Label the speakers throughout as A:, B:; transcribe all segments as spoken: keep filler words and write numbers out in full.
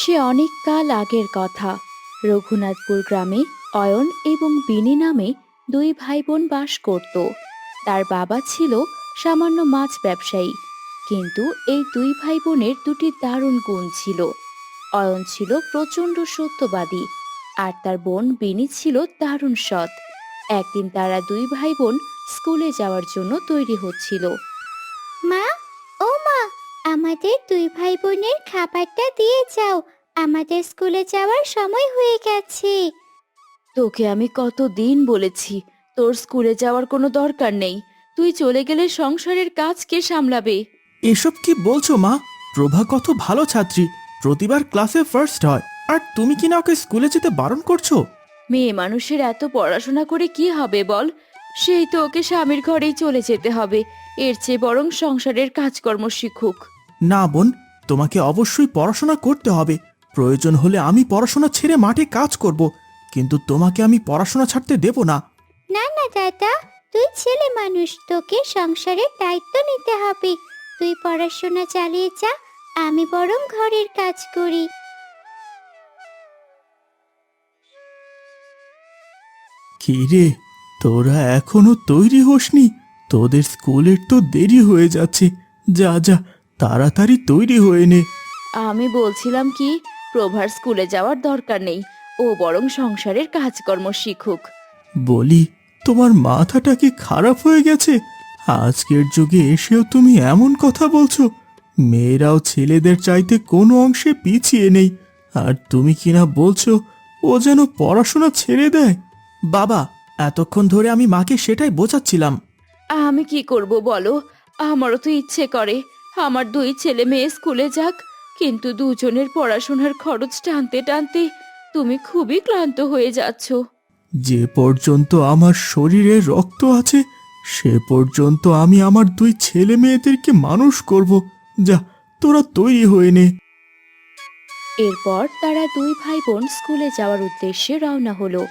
A: সে অনেক কাল আগের কথা। রঘুনাথপুর গ্রামে অয়ন এবং বিনি নামে দুই ভাই বোন বাস করত। তার বাবা ছিল সামান্য মাছ ব্যবসায়ী, কিন্তু এই দুই ভাই বোনের দুটি দারুণ গুণ ছিল। অয়ন ছিল প্রচণ্ড সত্যবাদী, আর তার বোন বিনি ছিল দারুণ সৎ। একদিন তারা দুই ভাই বোন স্কুলে যাওয়ার জন্য তৈরি হচ্ছিল।
B: মা, ও মা, আমাদের দুই ভাই বোনের খাবারটা দিয়ে যাও। আমাদের স্কুলে যাওয়ার সময় হয়ে গেছে।
A: তোকে আমি কতদিন বলেছি তোর স্কুলে যাওয়ার কোনো দরকার নেই। তুই চলে গেলে সংসারের কাজ কে সামলাবে?
C: এসব কি বলছো মা? প্রভা কত ভালো ছাত্রী, প্রতিবার ক্লাসে ফার্স্ট হয়, আর তুমি কি না ওকে স্কুলে যেতে বারণ করছো?
A: মেয়ে মানুষের এত পড়াশোনা করে কি হবে বল? সেই তো ওকে স্বামীর ঘরেই চলে যেতে হবে। এর চেয়ে বরং সংসারের কাজকর্ম শিখুক।
C: না বোন, তোমাকে অবশ্যই পড়াশোনা করতে হবে। প্রয়োজন হলে আমি পড়াশোনা ছেড়ে মাঠে কাজ করব, কিন্তু তোমাকে আমি পড়াশোনা ছাড়তে দেব না।
B: না না দাদা, তুই ছেলে মানুষ, তোকে সংসারের দায়িত্ব নিতে হবে। তুই পড়াশোনা চালিয়ে যা, আমি বরং ঘরের কাজ করি।
C: কি রে, তোরা এখনো তৈরি হোসনি? তোদের স্কুলের তো দেরি হয়ে যাচ্ছে। যা যা, তাড়াতাড়ি তৈরি হয়ে নে।
A: আমি বলছিলাম কি, প্রভার স্কুলে যাওয়ার দরকার নেই। ও বরং সংসারের কাজকর্ম শিখুক।
C: বলি, তোমার মাথাটা কি খারাপ হয়ে গেছে? আজকের যুগে এসেও তুমি এমন কথা বলছো? মেয়েরাও ছেলেদের চাইতে কোনো অংশে পিছিয়ে নেই, আর তুমি কিনা বলছো ও যেন পড়াশোনা ছেড়ে দেয়। বাবা, এতক্ষণ ধরে আমি মাকে সেটাই বোঝাচ্ছিলাম।
A: আমি কি করব বলো? আমারও তো ইচ্ছে করে আমার দুই ছেলে মেয়ে স্কুলে যাক, কিন্তু দুজনের পড়াশোনার খরচ টানতে টানতে তুমি খুবই ক্লান্ত হয়ে যাচ্ছ।
C: যে পর্যন্ত আমার শরীরে রক্ত আছে, সে পর্যন্ত আমি আমার দুই ছেলে মেয়েদেরকে মানুষ করব। যা, তোরা তৈরি হয়ে নে।
A: এরপর তারা দুই ভাই বোন স্কুলে যাওয়ার উদ্দেশ্যে রওনা হলো।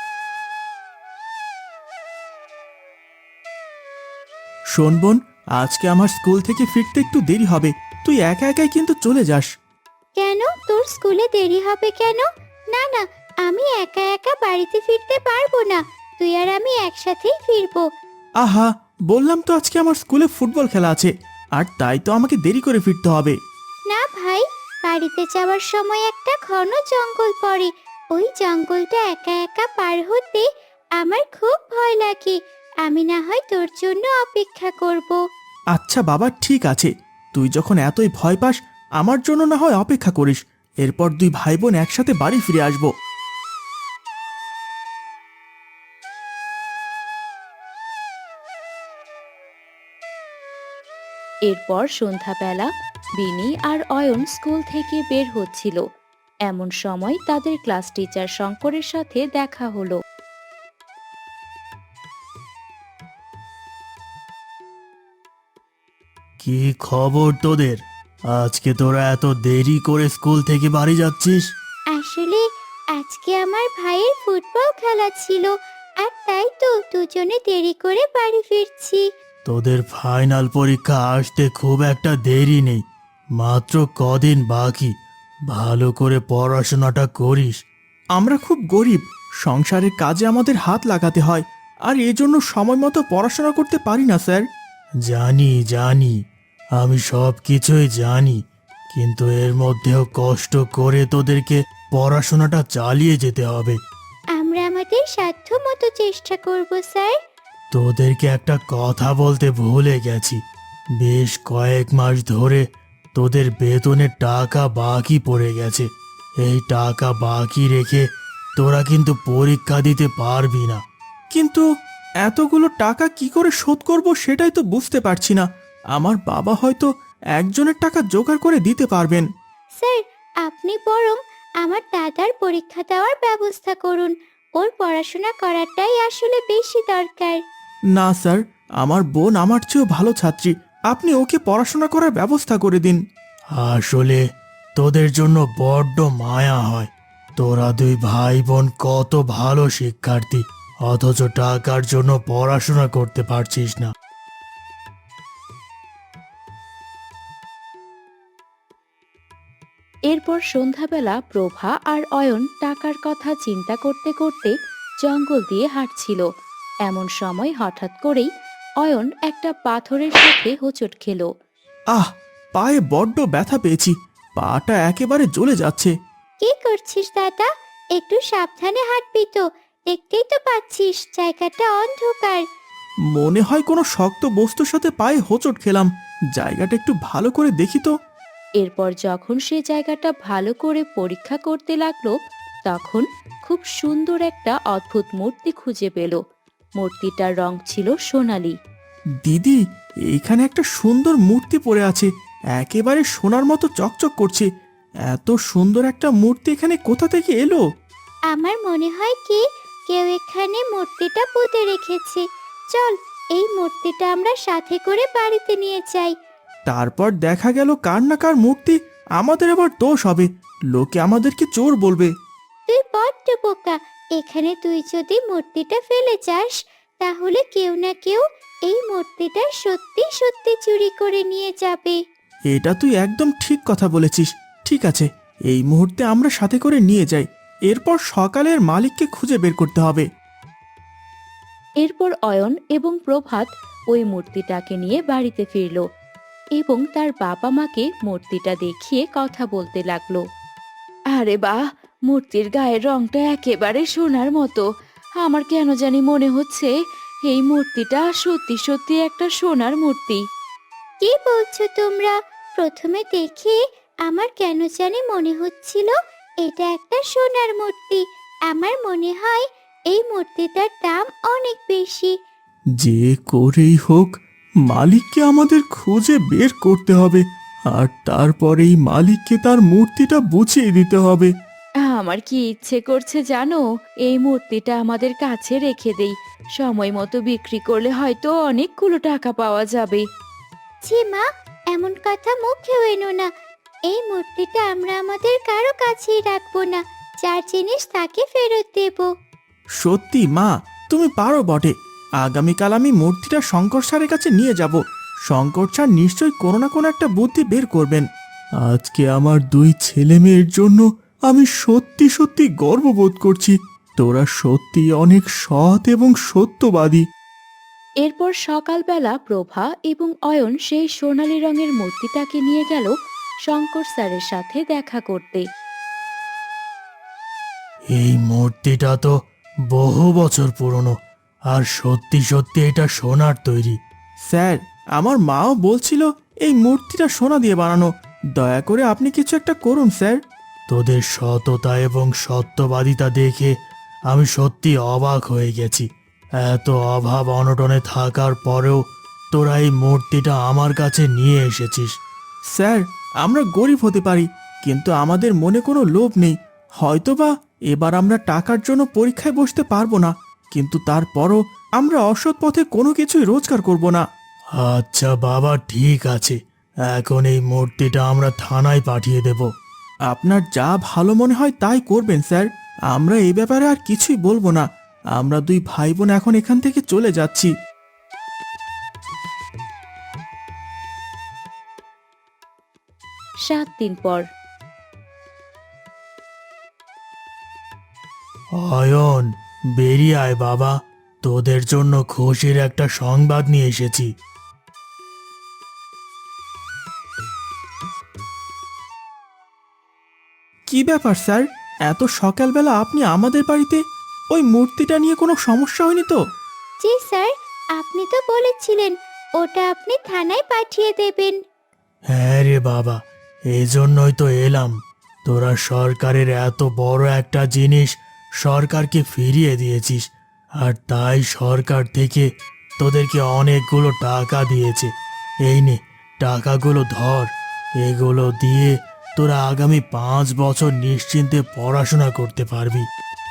C: শোন বোন, আজকে আমার স্কুল থেকে ফিরতে একটু দেরি হবে। তুই একা একাই কিন্তু চলে যাস।
B: কেন, তোর স্কুলে দেরি হবে কেন? না না, আমি একা একা বাড়িতে ফিরতে পারবো না। তুই আর আমি একসাথেই ফিরবো।
C: আহা, বললাম তো আজকে আমার স্কুলে ফুটবল খেলা আছে, আর তাই তো আমাকে দেরি করে ফিরতে হবে।
B: না ভাই, বাড়িতে যাওয়ার সময় একটা ঘন জঙ্গল পড়ে। ওই জঙ্গলটা একা একা পার হতে আমার খুব ভয় লাগে। আমি না হয় তোর জন্য অপেক্ষা করব।
C: আচ্ছা বাবা, ঠিক আছে। তুই যখন এতই ভয় পাস, আমার জন্য না হয় অপেক্ষা করিস। এরপর দুই ভাই বোন একসাথে বাড়ি ফিরে আসবো।
A: এরপর সন্ধ্যাবেলা বিনি আর অয়ন স্কুল থেকে বের হচ্ছিল। এমন সময় তাদের ক্লাস টিচার শঙ্করের সাথে দেখা হলো।
C: কি খবর তোদের? আজকে তোরা এত দেরি করে স্কুল থেকে বাড়ি যাচ্ছিস?
B: আসলে আজকে আমার ভাইয়ের ফুটবল খেলা ছিল, আর তাই তো দুজনে দেরি করে বাড়ি ফিরছি।
C: তোদের ফাইনাল পরীক্ষা আসতে খুব একটা দেরি নেই, মাত্র কদিন বাকি। ভালো করে পড়াশোনাটা করিস। আমরা খুব গরিব, সংসারের কাজে আমাদের হাত লাগাতে হয়, আর এজন্য সময় মতো পড়াশোনা করতে পারি না স্যার। জানি জানি, আমি সব কিছুই জানি, কিন্তু এর মধ্যেও কষ্ট করে তোদেরকে পড়াশোনাটা চালিয়ে যেতে হবে।
B: আমরা আমাদের সাধ্য মতো চেষ্টা করব স্যার।
C: তোদেরকে একটা কথা বলতে ভুলে গেছি। বেশ কয়েক মাস ধরে তোদের বেতনের টাকা বাকি পড়ে গেছে। এই টাকা বাকি রেখে তোরা কিন্তু পরীক্ষা দিতে পারবি না। কিন্তু এতগুলো টাকা কি করে শোধ করব সেটাই তো বুঝতে পারছি না। আমার বাবা হয়তো একজনের টাকা জোগাড় করে দিতে পারবেন।
B: স্যার, আপনি বরং আমার দাদার পরীক্ষা দেওয়ার ব্যবস্থা করুন। ওর পড়াশোনা করাটাই আসলে বেশি দরকার।
C: না স্যার, আমার বোন আমার চেয়েও ভালো ছাত্রী, আপনি ওকে পড়াশোনা করার ব্যবস্থা করে দিন। আসলে তোদের জন্য বড্ড মায়া হয়। তোরা দুই ভাই বোন কত ভালো শিক্ষার্থী, অথচ টাকার জন্য পড়াশোনা করতে পারছিস না।
A: এরপর সন্ধ্যাবেলা প্রভা আর অয়ন টাকার কথা চিন্তা করতে করতে জঙ্গল দিয়ে হাঁটছিল। এমন সময় হঠাৎ করেই অয়ন একটা পাথরের সাথে হোঁচট খেলো।
C: আহ, পায়ে বড্ড ব্যথা পেয়েছি, পাটা একেবারে জ্বলে যাচ্ছে।
B: কি করছিস দাদা? একটু সাবধানে হাঁটবি তো, দেখতেই তো পাচ্ছিস জায়গাটা অন্ধকার।
C: মনে হয় কোনো শক্ত বস্তুর সাথে পায়ে হোঁচট খেলাম, জায়গাটা একটু ভালো করে দেখি তো।
A: এরপর যখন সে জায়গাটা ভালো করে পরীক্ষা করতে লাগলো, তখন খুব সুন্দর একটা অদ্ভুত মূর্তি খুঁজে পেল। মূর্তিটার রং ছিল সোনালী।
C: দিদি, এইখানে একটা সুন্দর মূর্তি পড়ে আছে, একেবারে সোনার মতো চকচক করছে। এত সুন্দর একটা মূর্তি এখানে কোথা থেকে এলো?
B: আমার মনে হয় কি কেউ এখানে মূর্তিটা পুঁতে রেখেছে। চল, এই মূর্তিটা আমরা সাথে করে বাড়িতে নিয়ে যাই।
C: তারপর দেখা গেল কার না কার মূর্তি, আমাদের আবার দোষ হবে, লোকে আমাদেরকে চোর বলবে।
B: তুই বড্ড বোকা। এখানে তুই যদি মূর্তিটা ফেলে যাস, তাহলে কেউ না কেউ এই মূর্তিটা সত্যি সত্যি চুরি করে নিয়ে যাবে।
C: এটা তুই একদম ঠিক কথা বলেছিস। ঠিক আছে, এই মুহূর্তে আমরা সাথে করে নিয়ে যাই, এরপর সকালের মালিককে খুঁজে বের করতে হবে।
A: এরপর অয়ন এবং প্রভাত ওই মূর্তিটাকে নিয়ে বাড়িতে ফিরল এবং তার বাবা মাকে মূর্তিটা দেখিয়ে কথা বলতে লাগলো। আরে বাহ, মূর্তির গায়ের রংটা একেবারে সোনার মতো। আমার কেন জানি মনে হচ্ছে এই মূর্তিটা সত্যি সত্যি একটা সোনার মূর্তি।
B: কি বলছো তোমরা? প্রথমে দেখে আমার কেন জানি মনে হচ্ছিল এটা একটা সোনার মূর্তি। আমার মনে হয় এই মূর্তিটার দাম অনেক বেশি।
C: যে করেই হোক মালিককে আমাদের খুঁজে বের করতে হবে, আর তারপরে এই মালিককে তার মূর্তিটা বুঝিয়ে দিতে হবে।
A: আমার কি ইচ্ছে করছে জানো, এই মূর্তিটা আমাদের কাছে রেখে দেই, সময় মতো বিক্রি করলে হয়তো অনেকগুলো টাকা পাওয়া যাবে।
B: ছি মা, এমন কথা মুখেও এনো না। এই মূর্তিটা আমরা আমাদের কারো কাছেই রাখবো না, যার জিনিস তাকে ফেরত দেব।
C: সত্যি মা, তুমি পারো বটে। আগামীকাল আমি মূর্তিটা শঙ্কর স্যারের কাছে নিয়ে যাব। শঙ্কর স্যার নিশ্চয়ই কোনো না কোনো একটা বুদ্ধি বের করবেন। আজকে আমার দুই ছেলে মেয়ের জন্য আমি সত্যি সত্যি গর্ববোধ করছি। তোরা সত্যি অনেক সৎ এবং সত্যবাদী।
A: এরপর সকালবেলা প্রভা এবং অয়ন সেই সোনালী রঙের মূর্তিটাকে নিয়ে গেল শঙ্কর স্যারের সাথে দেখা করতে।
C: এই মূর্তিটা তো বহু বছর পুরনো, আর সত্যি সত্যি এটা সোনার তৈরি। স্যার, আমার মাও বলছিল এই মূর্তিটা সোনা দিয়ে বানানো। দয়া করে আপনি কিছু একটা করুন স্যার। তোদের সততা এবং সত্যবাদিতা দেখে আমি সত্যি অবাক হয়ে গেছি। এত অভাব অনটনে থাকার পরেও তোরা এই মূর্তিটা আমার কাছে নিয়ে এসেছিস। স্যার, আমরা গরিব হতে পারি, কিন্তু আমাদের মনে কোনো লোভ নেই। হয়তোবা এবার আমরা টাকার জন্য পরীক্ষায় বসতে পারবো না, কিন্তু তারপরও আমরা অসৎ পথে কোনো কিছুই রোজগার করব না। আচ্ছা বাবা, ঠিক আছে, এখন এই মূর্তিটা আমরা থানায় পাঠিয়ে দেব। আপনার যা ভালো মনে হয় তাই করবেন স্যার, আমরা এই ব্যাপারে আর কিছুই বলবো না। আমরা দুই ভাই বোন এখন এখান থেকে চলে যাচ্ছি।
A: সাত দিন পর
C: অয়ন, বেরিয়ে আয় বাবা, তোদের জন্য খুশির একটা সংবাদ নিয়ে এসেছি। কি ব্যাপার স্যার, এত সকালবেলা আপনি আমাদের বাড়িতে? ওই মূর্তিটা নিয়ে কোনো সমস্যা হয়নি তো?
B: জি স্যার, আপনি তো বলেছিলেন ওটা আপনি থানায় পাঠিয়ে দেবেন।
C: হ্যাঁ রে বাবা, এই জন্যই তো এলাম। তোরা সরকারের এত বড় একটা জিনিস সরকারকে ফিরিয়ে দিয়েছিস, আর তাই সরকার থেকে তোদেরকে অনেকগুলো টাকা দিয়েছে। এই নে, টাকাগুলো ধর। এগুলো দিয়ে তোরা আগামী পাঁচ বছর নিশ্চিন্তে পড়াশোনা করতে পারবি।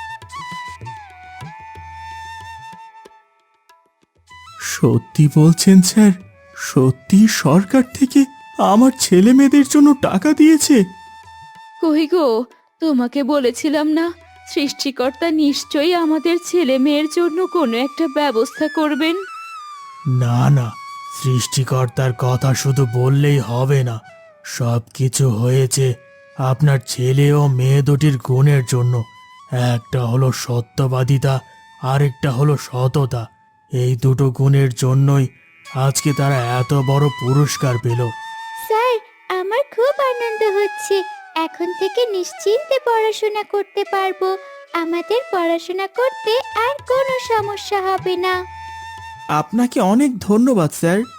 C: সত্যি বলছেন স্যার? সত্যি সরকার থেকে আমার ছেলে মেয়েদের জন্য টাকা দিয়েছে?
A: কই গো, তোমাকে বলেছিলাম না, সৃষ্টিকর্তা নিশ্চয়ই আমাদের ছেলে মেয়ের জন্য কোনো একটা ব্যবস্থা করবেন।
C: না না, সৃষ্টিকর্তার কথা শুধু বললেই হবে না। সব কিছু হয়েছে আপনার ছেলে ও মেয়ে দুটির গুণের জন্য। একটা হলো সত্যবাদিতা, আরেকটা হলো সততা। এই দুটো গুণের জন্যই আজকে তারা এত বড় পুরস্কার পেল।
B: স্যার, আমার খুব আনন্দ হচ্ছে। এখন থেকে নিশ্চিন্তে পড়াশোনা করতে পারবো। আমাদের পড়াশোনা করতে আর কোনো সমস্যা হবে না।
C: আপনাকে অনেক ধন্যবাদ স্যার।